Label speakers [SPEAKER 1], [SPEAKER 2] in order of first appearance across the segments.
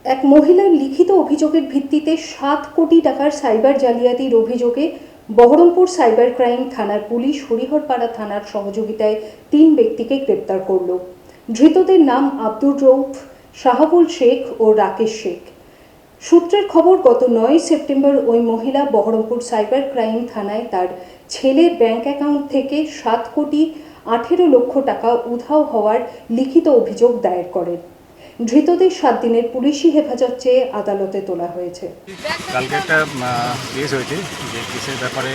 [SPEAKER 1] এক মহিলার লিখিত অভিযোগের ভিত্তিতে 7 কোটি টাকার সাইবার জালিয়াতির অভিযোগে বহরমপুর সাইবার ক্রাইম থানার পুলিশ হরিহরপাড়া থানার সহযোগিতায় 3 ব্যক্তিকে গ্রেপ্তার করল। ধৃতদের নাম আব্দুর রৌফ, শাহাবুল শেখ ও রাকেশ শেখ। সূত্রের খবর, গত 9 সেপ্টেম্বর ওই মহিলা বহরমপুর সাইবার ক্রাইম থানায় তার ছেলের ব্যাংক অ্যাকাউন্ট থেকে 7 কোটি 18 লক্ষ টাকা উধাও হওয়ার লিখিত অভিযোগ দায়ের করেন। ধৃতদের 7 দিনের পুলিশি হেফাজত চেয়ে আদালতে তোলা হয়েছে।
[SPEAKER 2] কালকে একটা কেস হয়েছে, যে কেসের ব্যাপারে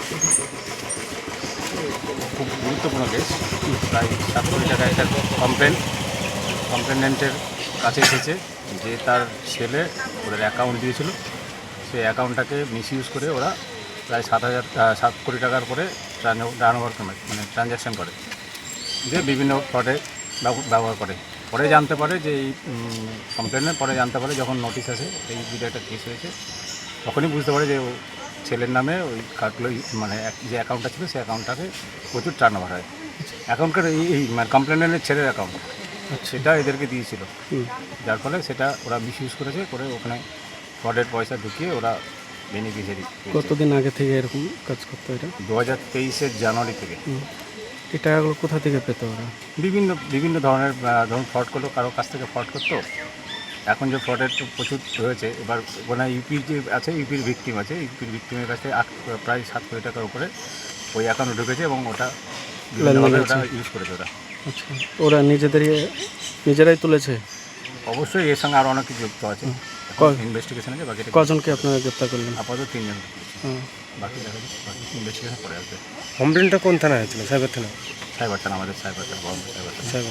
[SPEAKER 2] খুব গুরুত্বপূর্ণ কেস। প্রায় 7 কোটি টাকা একটা কমপ্লেনেন্টের কাছে এসেছে যে তার ছেলে ওদের অ্যাকাউন্ট দিয়েছিল, সেই অ্যাকাউন্টটাকে মিসইউজ করে ওরা প্রায় 7 কোটি টাকার করে ট্রানজ্যাকশন করে, যে বিভিন্ন ফ্রডে ব্যবহার করে। পরে জানতে পারে যে এই কমপ্লেনের পরে জানতে পারে, যখন নোটিশ আসে এই ভিডিও একটা কেস হয়েছে, তখনই বুঝতে পারে যে ও ছেলের নামে ওই কার্ডগুলো যে অ্যাকাউন্টটা ছিল সেই অ্যাকাউন্টটাকে প্রচুর টার্ন ওভার হয়। অ্যাকাউন্টটার এই কমপ্লেনের ছেলের অ্যাকাউন্ট সেটা এদেরকে দিয়েছিল, যার ফলে সেটা ওরা মিসইউজ করেছে, করে ওখানে ফ্রডের পয়সা ঢুকিয়ে ওরা বেনিফিশিয়ারি।
[SPEAKER 3] কতদিন আগে থেকে এরকম কাজ করতো এটা?
[SPEAKER 2] 2023-এর জানুয়ারি থেকে।
[SPEAKER 3] এই টাকাগুলো কোথা থেকে পেতো ওরা?
[SPEAKER 2] বিভিন্ন ধরনের ধরুন ফ্রড করলো, কারো কাছ থেকে ফ্রড করতো। এখন যে ফ্রডের প্রচুর হয়েছে, এবার ওখানে ইউপির যে আছে, ইউপির ভিকটিম আছে, ইউপির ভিকটিমের কাছে প্রায় 7 কোটি টাকার উপরে ওই অ্যাকাউন্টে ঢুকেছে এবং ওটা ওটা ইউজ করেছে ওরা।
[SPEAKER 3] আচ্ছা, ওরা নিজেরাই তুলেছে?
[SPEAKER 2] অবশ্যই এর সঙ্গে আরও অনেক কিছু যুক্ত আছে। ইনভেস্টিগেশন আছে, বাকি
[SPEAKER 3] কজনকে আপনারা গ্রেপ্তার করলেন?
[SPEAKER 2] আপাতত 3 জন। বাকি ইনভেস্টিগেশন করে আসবে।
[SPEAKER 3] কমপ্লেনটা কোন থানায় হয়েছিল? সাইবার থানা?
[SPEAKER 2] সাইবার থানা, আমাদের সাইবার থানা, বহরমপুর সাইবার থানা।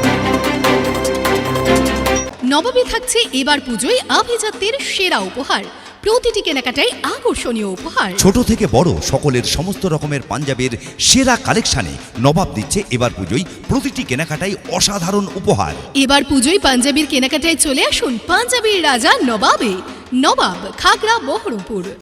[SPEAKER 4] নবমী থাকছে এবার পুজোয় আভিজাত্যের সেরা উপহার। প্রতিটি কেনাকাটায় আকর্ষণীয় উপহার।
[SPEAKER 5] ছোট থেকে বড় সকলের সমস্ত রকমের পাঞ্জাবের সেরা কালেকশনে নবাব দিচ্ছে এবার পুজোয় প্রতিটি কেনাকাটায় অসাধারণ উপহার।
[SPEAKER 4] এবার পুজোয় পাঞ্জাবির কেনাকাটায় চলে আসুন পাঞ্জাবির রাজা নবাবে। নবাব, খাগড়া, বহরমপুর।